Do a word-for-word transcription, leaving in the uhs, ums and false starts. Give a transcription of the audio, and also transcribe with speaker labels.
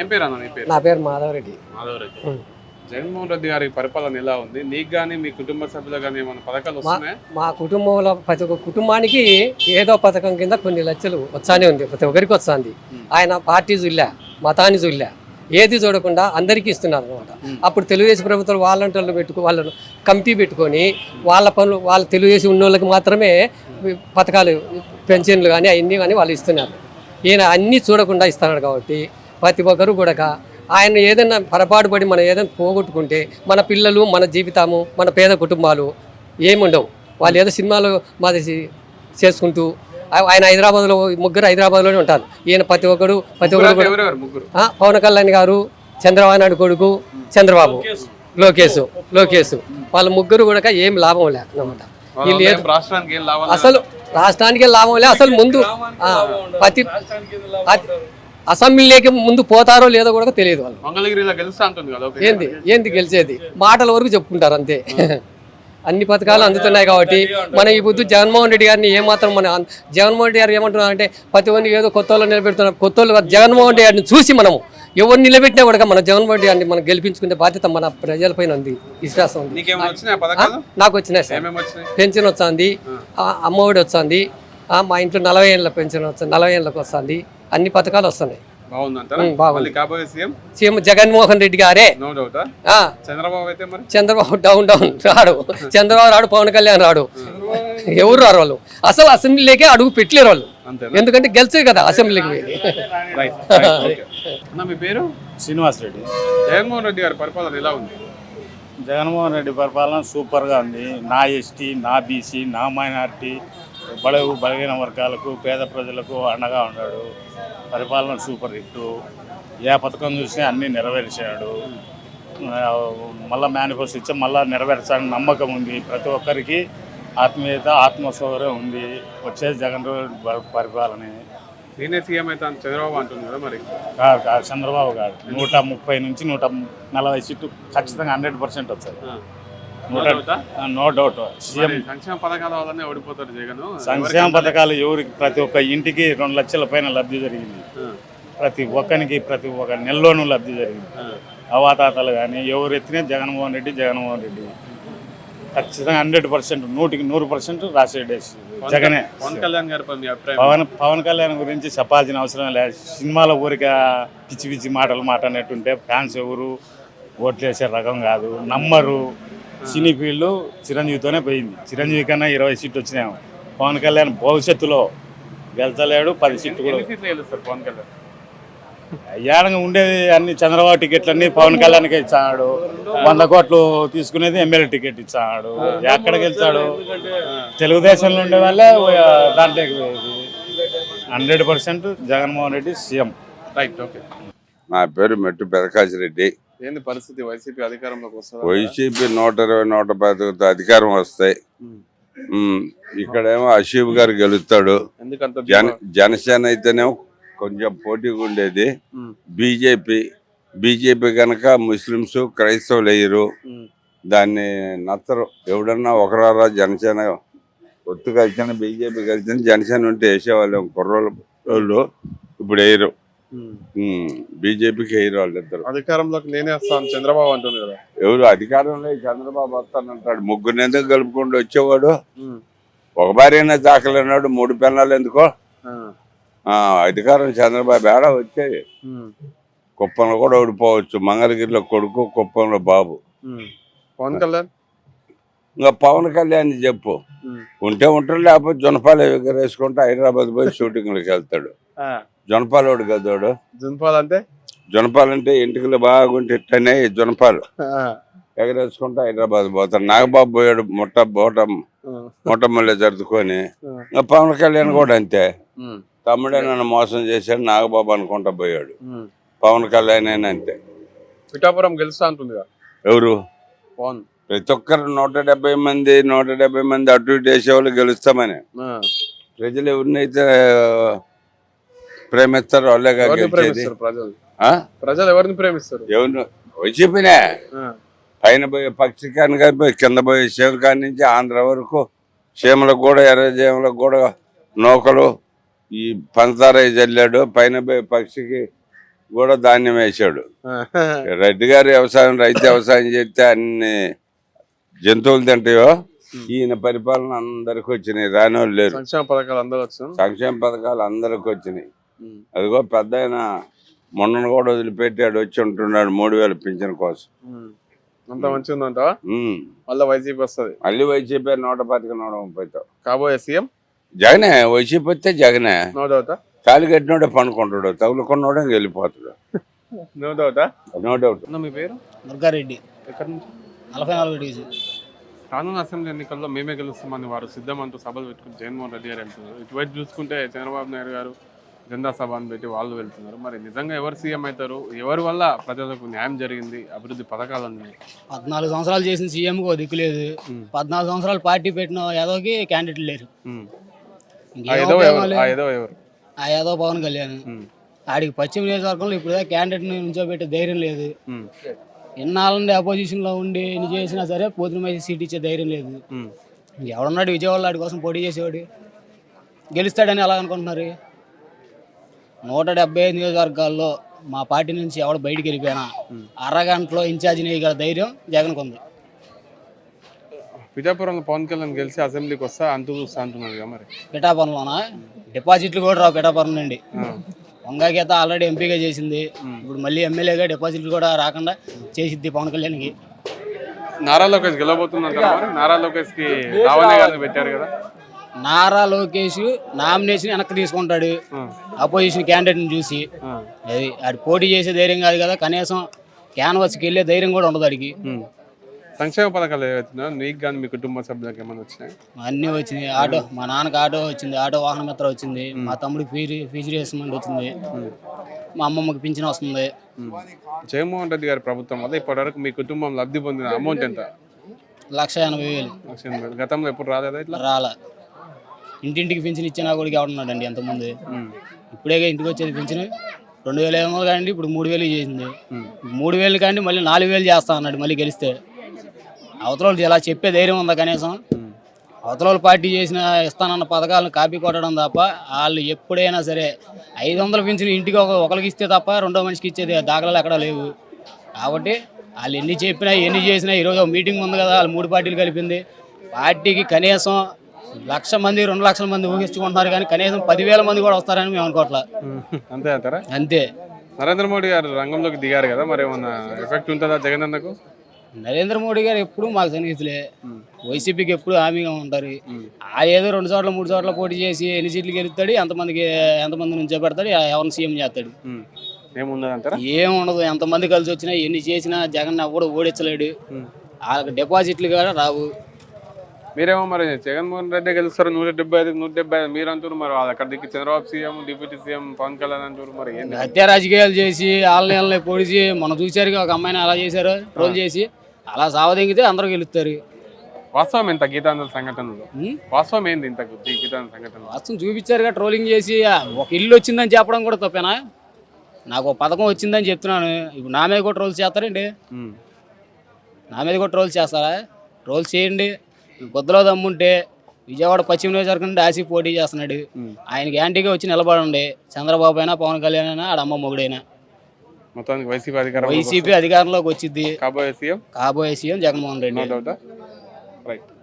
Speaker 1: ఏం పేరు అన్న నీ పేరు?
Speaker 2: నా పేరు మాధవరెడ్డి.
Speaker 1: మాధవరెడ్డి. జగన్మోహన్ రెడ్డి గారి పరిపాలన ఎలా ఉంది? నీకు కానీ మీ కుటుంబ సభ్యులకు కానీ ఏమైనా పథకాలు వస్తున్నాయా?
Speaker 2: మా కుటుంబంలో ప్రతి ఒక్క కుటుంబానికి ఏదో పథకం కింద కొన్ని లక్షలు వచ్చానే ఉంది, ప్రతి ఒక్కరికి వస్తుంది. ఆయన పార్టీ చూడలే, మతాన్ని చూడలే, ఏది చూడకుండా అందరికీ ఇస్తున్నారు అనమాట. అప్పుడు తెలుగుదేశం ప్రభుత్వం వాలంటీర్లు పెట్టుకు వాళ్ళను కమిటీ పెట్టుకొని వాళ్ళ పనులు వాళ్ళ తెలుగుదేశం ఉన్న వాళ్ళకి మాత్రమే పథకాలు పెన్షన్లు కానీ అవన్నీ కానీ వాళ్ళు ఇస్తున్నారు. ఈయన అన్నీ చూడకుండా ఇస్తున్నాడు కాబట్టి ప్రతి ఒక్కరు కూడా ఆయన ఏదైనా పొరపాటు పడి మనం ఏదైనా పోగొట్టుకుంటే మన పిల్లలు, మన జీవితము, మన పేద కుటుంబాలు ఏముండవు. వాళ్ళు ఏదో సినిమాలు మాది చేసుకుంటూ ఆయన హైదరాబాద్లో ముగ్గురు హైదరాబాద్లోనే ఉంటారు. ఈయన ప్రతి ఒక్కరు ప్రతి ఒక్కరు పవన్ కళ్యాణ్ గారు, చంద్రబాబు నాయుడు కొడుకు చంద్రబాబు, లోకేష్ లోకేష్ వాళ్ళ ముగ్గురు కూడా ఏం లాభం లే అన్నమాట. వీళ్ళు అసలు రాష్ట్రానికే లాభం లే. అసలు ముందు ప్రతి అసెంబ్లీకి ముందు పోతారో లేదో కూడా తెలియదు వాళ్ళు. ఏంది ఏంది గెలిచేది మాటల వరకు చెప్పుకుంటారు అంతే. అన్ని పథకాలు అందుతున్నాయి కాబట్టి మన ఈ బుద్ధు జగన్మోహన్ రెడ్డి గారిని ఏమాత్రం మన జగన్మోహన్ రెడ్డి గారు ఏమంటున్నారంటే ప్రతి ఒక్కరిని ఏదో కొత్త వాళ్ళు నిలబెడుతున్నారు. కొత్త వాళ్ళు జగన్మోహన్ రెడ్డి గారిని చూసి మనము ఎవరు నిలబెట్టినా కూడా మన జగన్మోహన్ రెడ్డి గారిని మనం గెలిపించుకునే బాధ్యత మన ప్రజలపైన ఉంది, విశ్వాసం ఉంది. నాకు వచ్చినాయి సార్, పెన్షన్ వచ్చింది, అమ్మఒడి వచ్చింది, మా ఇంట్లో నలభై ఏళ్ళ పెన్షన్ వస్తుంది, నలభై ఏళ్ళకి వస్తుంది, అన్ని పథకాలు వస్తున్నాయి. సీఎం జగన్మోహన్ రెడ్డి గారే. చంద్రబాబు డౌన్ డౌన్ రాడు, చంద్రబాబు రాడు, పవన్ కళ్యాణ్ రాడు, ఎవరు రారు వాళ్ళు. అసలు అసెంబ్లీకే అడుగు పెట్టలేరు వాళ్ళు, ఎందుకంటే గెలిచే కదా అసెంబ్లీకి.
Speaker 1: మీ పేరు?
Speaker 3: శ్రీనివాస్ రెడ్డి.
Speaker 1: జగన్మోహన్ రెడ్డి గారి పరిపాలన ఎలా ఉంది?
Speaker 3: జగన్మోహన్ రెడ్డి పరిపాలన సూపర్గా ఉంది. నా ఎస్టీ, నా బీసీ, నా మైనార్టీ, బడుగు బలహీన వర్గాలకు, పేద ప్రజలకు అండగా ఉన్నాడు. పరిపాలన సూపర్ హిట్. ఏ పథకం చూసినా అన్నీ నెరవేర్చాడు. మళ్ళీ మేనిఫెస్టో ఇచ్చా మళ్ళీ నెరవేర్చాలని నమ్మకం ఉంది. ప్రతి ఒక్కరికి ఆత్మీయత, ఆత్మసౌకర్యం ఉంది. వచ్చేది జగన్ పరిపాలనే.
Speaker 1: నేనే సీఎం అయితే చంద్రబాబు అంటుంది కదా మరి?
Speaker 3: కాదు కాదు, చంద్రబాబు కాదు. నూట ముప్పై నుంచి నూట నలభై సీట్లు ఖచ్చితంగా హండ్రెడ్ పర్సెంట్ వచ్చాయి. No doubt. సీఎం
Speaker 1: సంక్షేమ పథకాల వల్లనే ఓడిపోతాడు జగన్.
Speaker 3: సంక్షేమ పథకాలు ఎవరికి? ప్రతి ఒక్క ఇంటికి రెండు లక్షల పైన లబ్ధి జరిగింది. ప్రతి ఒక్కరికి ప్రతి ఒక్క నెలలోనూ లబ్ధి జరిగింది. అవాతాతలు కానీ ఎవరు ఎత్తినా జగన్మోహన్ రెడ్డి జగన్మోహన్ రెడ్డి ఖచ్చితంగా హండ్రెడ్ పర్సెంట్ నూటికి నూరు పర్సెంట్ రాసేడే జగనే.
Speaker 1: పవన్ కళ్యాణ్ గారి
Speaker 3: పవన్ పవన్ కళ్యాణ్ గురించి చెప్పాల్సిన అవసరం లేదు. సినిమాలో ఊరిక పిచ్చి పిచ్చి మాటలు మాట్లాడినట్టుంటే ఫ్యాన్స్ ఎవరు ఓట్లేసే రకం కాదు, నమ్మరు. సినీ ఫీల్డ్ చిరంజీవితోనే పోయింది. చిరంజీవి కన్నా ఇరవై సీట్లు వచ్చినాయి. పవన్ కళ్యాణ్ భవిష్యత్తులో గెలిచలేడు, పది సీట్లు కూడా.
Speaker 1: పవన్ కళ్యాణ్
Speaker 3: అయ్యాడంగా ఉండేది అన్ని చంద్రబాబు టికెట్లన్నీ పవన్ కళ్యాణ్కే ఇచ్చాడు. వంద కోట్లు తీసుకునేది ఎమ్మెల్యే టికెట్ ఇచ్చాడు. ఎక్కడ గెలిచాడు? తెలుగుదేశంలో ఉండే వాళ్ళే దాంట్లోకి పోయేది. Hundred percent Jaganmohan Reddy CM.
Speaker 1: Right, okay.
Speaker 4: నా పేరు మెట్టు పెదకాశిరెడ్డి.
Speaker 1: ఏంది పరిస్థితి? వైసీపీ అధికారంలోకి వస్తుంది.
Speaker 4: వైసీపీ నూట ఇరవై నూట పది అధికారం వస్తాయి. ఇక్కడేమో అషీఫ్ గారు గెలుస్తాడు. జన జనసేన అయితేనేమో కొంచెం పోటీగా ఉండేది. బీజేపీ బీజేపీ కనుక ముస్లింస్ క్రైస్తవులు వేయరు, దాన్ని నచ్చరు. ఎవడన్నా ఒకరారా జనసేన ఒత్తు కలిసిన బీజేపీ కలిసిన జనసేన ఉంటే వేసేవాళ్ళు కుర్రోళ్ళు. ఇప్పుడు వేయరు, బీజేపీకి వేయరు వాళ్ళిద్దరు.
Speaker 1: అధికారంలోకి నేనే వస్తాను చంద్రబాబు అంటుంది కదా.
Speaker 4: ఎవరు అధికారంలో చంద్రబాబు వస్తానంటాడు. ముగ్గురు ఎందుకు కలుపుకుండా వచ్చేవాడు? ఒక భార్యనే దాఖలన్నాడు, మూడు పిల్లలు ఎందుకో. అధికారం చంద్రబాబు ఏడా వచ్చేది. కుప్పంలో కూడా ఓడిపోవచ్చు. మంగళగిరిలో కొడుకు, కుప్పంలో బాబు.
Speaker 1: పవన్ కళ్యాణ్
Speaker 4: ఇంకా పవన్ కళ్యాణ్ చెప్పు, ఉంటే ఉంటాడు, లేకపోతే జొనపాలు ఎగరేసుకుంటే హైదరాబాద్ పోయి షూటింగ్లకు వెళ్తాడు. జొనపాలోడు కదోడు.
Speaker 1: జొనపాలు అంటే
Speaker 4: జొనపాలంటే ఇంటికి బాగుంటే ఇట్టనే జొనపాలు ఎగరేసుకుంటే హైదరాబాద్ పోతాడు. నాగబాబు పోయాడు ముట్ట బోట ముట్టమల్లె జరుపుకొని. ఇంకా పవన్ కళ్యాణ్ కూడా అంతే. తమ్ముడే నన్ను మోసం చేశాడు నాగబాబు అనుకుంటా పోయాడు. పవన్ కళ్యాణ్ అయినా అంతే.
Speaker 1: పిఠాపురం గెలుస్తా అంటుంది
Speaker 4: ఎవరు?
Speaker 1: పవన్.
Speaker 4: ప్రతి ఒక్కరు నూట డెబ్బై మంది నూట డెబ్బై మంది అటు ఇటు వేసేవాళ్ళు గెలుస్తామని. ప్రజలు ఎవరినైతే ప్రేమిస్తారు వాళ్ళే గెలిచేది.
Speaker 1: ప్రజలు ఎవరిని ప్రేమిస్తారు?
Speaker 4: ఎవరిని? వైసీపీనే. పైన పోయే పక్షికాని కానీ కింద పోయే శివకాని నుంచి ఆంధ్ర వరకు చీమలకు కూడా ఎర్ర చీమలకు కూడా నౌకలు ఈ పంచదార జల్లాడు. పైన పోయే పక్షికి కూడా ధాన్యం వేసాడు. రెడ్డి గారు వ్యవసాయం రైతు వ్యవసాయం చేస్తే అన్ని జంతువులు తింటాయో ఈయన పరిపాలన అందరికి వచ్చినాయి, రాని వాళ్ళు లేరు.
Speaker 1: సంక్షేమ పథకాలు అందరూ వచ్చాం,
Speaker 4: సంక్షేమ పథకాలు అందరికి వచ్చినాయి. అదిగో పెద్ద ఆయన మొన్న కూడా వదిలిపెట్టాడు, వచ్చి ఉంటున్నాడు మూడు వేలు పింఛన్ కోసం.
Speaker 1: అంత మంచిగా ఉందంటావా? మళ్ళీ వైసీపీ వస్తుంది,
Speaker 4: మళ్ళీ వైసీపీ నూట పాతిక నూట ముప్పైతో
Speaker 1: కాబోయే సీఎం
Speaker 4: జగనే. వైసీపీ వస్తే జగనే.
Speaker 1: నో డౌటా?
Speaker 4: కాలు కట్టినోడే పండుకుంటాడు, తగులుకున్నోడే వెళ్ళిపోతాడు.
Speaker 1: నో డౌటా?
Speaker 4: No doubt.
Speaker 1: మీ పేరు?
Speaker 5: దుర్గారెడ్డి.
Speaker 1: ఎక్కడి నుంచి?
Speaker 5: నలభై నాలుగు డివిజన్.
Speaker 1: రానున్న అసెంబ్లీ ఎన్నికల్లో మేమే గెలుస్తామని వారు సిద్ధమంటూ సభలు పెట్టుకుని జగన్మోహన్ రెడ్డి గారు వెళ్తున్నారు. ఇటువైపు చూసుకుంటే చంద్రబాబు నాయుడు గారు జెండా సభ అని పెట్టి వాళ్ళు వెళ్తున్నారు. మరి నిజంగా ఎవరు సీఎం అవుతారు? ఎవరి వల్ల ప్రజలకు న్యాయం జరిగింది, అభివృద్ధి పథకాలు ఉన్నాయి?
Speaker 5: పద్నాలుగు సంవత్సరాలు చేసిన సీఎంకి ఓ దిక్కు లేదు, పద్నాలుగు సంవత్సరాలు పార్టీ పెట్టిన యాదవ్కి క్యాండిడేట్ లేరు.
Speaker 1: ఆ ఏదో ఎవరు? ఆ ఏదో ఎవరు?
Speaker 5: ఆ యాదవ్ పవన్ కళ్యాణ్. ఆడికి పశ్చిమ నియోజకవర్గంలో ఇప్పుడు క్యాండిడేట్ నుంచోబెట్టే ధైర్యం లేదు. ఎన్నాళ్ళ నుండి అపోజిషన్లో ఉండి ఎన్ని చేసినా సరే పోతున్న సీట్ ఇచ్చే ధైర్యం లేదు. ఎవడున్నాడు విజయవాడలో ఆడి కోసం పోటీ చేసేవాడు? గెలుస్తాడని ఎలా అనుకుంటున్నారు? నూట డెబ్బై ఐదు నియోజకవర్గాల్లో మా పార్టీ నుంచి ఎవడు బయటికి వెళ్ళిపోయినా అరగంటలో ఇన్ఛార్జిని వేయగల ధైర్యం జగన్కు ఉంది.
Speaker 1: పిఠాపురంలో పవన్ కళ్యాణ్ గెలిచి అసెంబ్లీకి వస్తా అంటూ చూస్తా అంటున్నారు కదా మరి?
Speaker 5: పిఠాపురంలోనా డిపాజిట్లు కూడా రావు. పిఠాపురం నుండి వంగాగీత ఆల్రెడీ ఎంపీగా చేసింది, ఇప్పుడు మళ్ళీ ఎమ్మెల్యేగా డిపాజిట్లు కూడా రాకుండా చేసిద్ది పవన్ కళ్యాణ్కి.
Speaker 1: నారా లోకేష్ గెలవబోతుందంట మరి? నారా లోకేష్ కి రావణ్య గారిని పెట్టారు కదా?
Speaker 5: నారా లోకేష్ నామినేషన్ వెనక్కి తీసుకుంటాడు అపోజిషన్ క్యాండిడేట్ని చూసి. అది ఆడి పోటీ చేసే ధైర్యం కాదు కదా, కనీసం క్యాన్వాస్కి వెళ్ళే ధైర్యం కూడా ఉండదు ఆడికి.
Speaker 1: సంక్షేమ పథకాలు ఏవైతున్నాయో నీకు కానీ మీ కుటుంబ సభ్యులకు ఏమైనా వచ్చినాయి?
Speaker 5: అన్నీ వచ్చినాయి. ఆటో, మా నాన్నకి ఆటో వచ్చింది, ఆటో వాహన మిత్ర వచ్చింది, మా తమ్ముడికి ఫీజు ఫీజు రియంబర్స్మెంట్ వచ్చింది, మా అమ్మమ్మకి పింఛన్ వస్తుంది.
Speaker 1: జగన్మోహన్ రెడ్డి గారి ప్రభుత్వం వల్ల ఇప్పటివరకు మీ కుటుంబం లబ్ధి పొందిన అమౌంట్ ఎంత?
Speaker 5: లక్ష ఎనభై వేలు.
Speaker 1: లక్ష ఎనభై వేలు. గతంలో ఎప్పుడు రాలేదా ఇట్లా?
Speaker 5: రాలా. ఇంటింటికి పింఛన్ ఇచ్చిన కూడా ఎవడున్నాడండి ఎంతమంది? ఇప్పుడేగా ఇంటికి వచ్చేది పింఛన్. రెండు వేలు ఏమో కానీ ఇప్పుడు మూడు వేలు చేసింది. మూడు వేలు కానీ మళ్ళీ నాలుగు వేలు చేస్తా అన్నాడు మళ్ళీ గెలిస్తే. అవతల ఇలా చెప్పే ధైర్యం ఉందా కనీసం? అవతల పార్టీ చేసిన ఇస్తానన్న పథకాలను కాపీ కొట్టడం తప్ప వాళ్ళు ఎప్పుడైనా సరే ఐదు వందల పింఛన్ ఇంటికి ఒక ఒకరికి ఇస్తే తప్ప రెండో మనిషికి ఇచ్చేది దాఖలాలు ఎక్కడా లేవు. కాబట్టి వాళ్ళు ఎన్ని చెప్పినా ఎన్ని చేసినా ఈరోజు ఒక మీటింగ్ ఉంది కదా, వాళ్ళు మూడు పార్టీలు కలిపింది. పార్టీకి కనీసం లక్ష మంది రెండు లక్షల మంది ఊహించుకుంటున్నారు కానీ కనీసం పదివేల మంది కూడా వస్తారని మేము అనుకోవట్లా.
Speaker 1: అంతే అంటారా?
Speaker 5: అంతే.
Speaker 1: నరేంద్ర మోడీ గారు రంగంలోకి దిగారు కదా, మరి ఏమన్నా ఎఫెక్ట్ ఉంటుందా జగన్ అన్నకు?
Speaker 5: నరేంద్ర మోడీ గారు ఎప్పుడు మాకు సన్నిహితులే, వైసీపీకి ఎప్పుడు హామీగా ఉంటారు. ఆ ఏదో రెండు చోట్ల మూడు చోట్ల పోటీ చేసి ఎన్ని సీట్లు గెలుస్తాడు, ఎంతమందికి ఎంతమంది నుంచో పెడతాడు, ఎవరిని సీఎం చేస్తాడు.
Speaker 1: ఏముండదంటారా?
Speaker 5: ఏముండదు. ఎంతమంది కలిసి వచ్చినా ఎన్ని చేసినా జగన్ ఎవడు ఓడించలేడు. వాళ్ళకి డిపాజిట్లు కూడా రావు.
Speaker 1: మీరేమో మరి జగన్మోహన్ రెడ్డి గెలుస్తారు నూట డెబ్బై ఐదు నూట డెబ్బై ఐదు మీరు అంటారు, మరి అక్కడ దిక్కు Chandrababu CM deputy CM Pawan Kalyan అంటారు. మరి ఏంటి
Speaker 5: హత్య రాజకీయాలు చేసి ఆళ్ళని పొడిచి మనం చూసారు ఒక అమ్మాయిని అలా చేశారు, ట్రోల్ చేసి అలా సావదెంగితే అందరూ గెలుస్తారు.
Speaker 1: వాస్తవం ఎంత గీతాంజలి సంఘటనలో? వాస్తవం ఏంది ఇంత గీతాంజలి సంఘటన?
Speaker 5: వాస్తవం చూపించారుగా, ట్రోలింగ్ చేసి ఒక ఇల్లు వచ్చిందని చెప్పడం కూడా తప్పేనా? నాకు ఒక పథకం వచ్చిందని చెప్తున్నాను, ఇప్పుడు నా మీద కూడా ట్రోల్స్ చేస్తారండి? నా మీద కూడా ట్రోల్స్ చేస్తారా? ట్రోల్స్ చేయండి. బొద్దులో దమ్ముంటే విజయవాడ పశ్చిమ నియోజకవర్గం నుండి ఆసి పోటీ చేస్తున్నాడు, ఆయనకి యాంటీగా వచ్చి నిలబడండి. చంద్రబాబు అయినా పవన్ కళ్యాణ్ అయినా ఆడమ్మ మొగుడైనా
Speaker 1: మొత్తానికి వైసీపీ అధికారం
Speaker 5: వైసీపీ అధికారంలోకి వచ్చింది.
Speaker 1: కాబోయే సీఎం
Speaker 5: కాబోయే సీఎం జగన్మోహన్ రెడ్డి.
Speaker 1: రైట్.